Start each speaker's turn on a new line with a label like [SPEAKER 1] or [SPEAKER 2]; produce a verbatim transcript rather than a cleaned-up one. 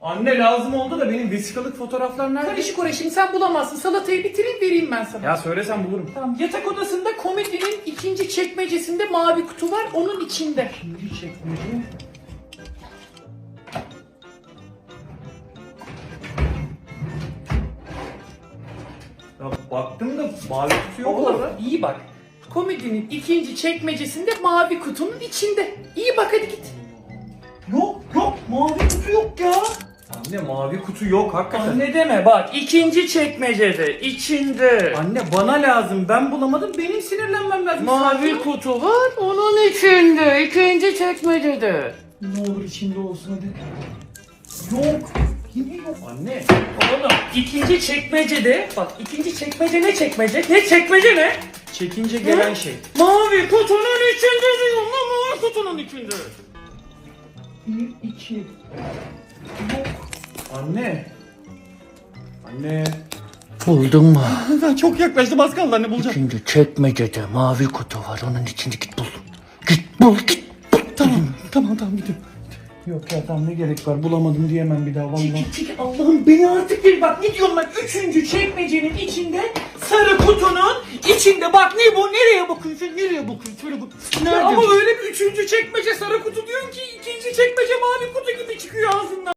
[SPEAKER 1] Anne lazım oldu da benim vesikalık fotoğraflar nerede?
[SPEAKER 2] Karışık oraya, şimdi sen bulamazsın. Salatayı bitireyim, vereyim ben sana.
[SPEAKER 1] Ya söylesen bulurum.
[SPEAKER 2] Tamam, yatak odasında komodinin ikinci çekmecesinde mavi kutu var, onun içinde.
[SPEAKER 1] İkinci çekmece. Ya baktım da mavi kutu yok
[SPEAKER 2] Oğlum
[SPEAKER 1] orada.
[SPEAKER 2] iyi bak. Komodinin ikinci çekmecesinde mavi kutunun içinde. İyi bak, hadi git.
[SPEAKER 1] Yok yok mavi kutu yok ya. Anne mavi kutu yok hakikaten. Anne,
[SPEAKER 2] Anne deme bak, ikinci çekmecede, içinde.
[SPEAKER 1] anne bana lazım, ben bulamadım, benim sinirlenmem lazım.
[SPEAKER 2] Mavi kutu var, onun içinde, ikinci çekmecede.
[SPEAKER 1] Ne olur içinde olsun hadi. Yok. Yine yok. Anne.
[SPEAKER 2] Oğlum ikinci çekmecede, bak ikinci çekmece ne çekmece? Ne çekmece ne?
[SPEAKER 1] Çekince gelen
[SPEAKER 2] Hı?
[SPEAKER 1] şey.
[SPEAKER 2] Mavi kutunun içinde diyorum lan, mavi kutunun içinde.
[SPEAKER 1] Bir, iki. Yok. Anne. Anne.
[SPEAKER 2] Buldun mu?
[SPEAKER 1] Ben çok yaklaştım, az kaldı anne, bulacağım.
[SPEAKER 2] İkinci çekmecede mavi kutu var, onun içinde, git bul. Git bul, git bul.
[SPEAKER 1] Tamam tamam tamam gidiyorum. Yok ya tamam, ne gerek var, bulamadım diyemem bir daha vallahi.
[SPEAKER 2] Çekil çekil, Allah'ım beni artık bir bak, ne diyorum ben, üçüncü çekmecenin içinde sarı kutunun içinde, bak ne bu, nereye bakıyorsun, nereye bakıyorsun, şöyle bak.
[SPEAKER 1] Nerede?
[SPEAKER 2] Ama öyle bir üçüncü çekmece sarı kutu diyorsun ki ikinci çekmece mavi kutu gibi çıkıyor ağzından.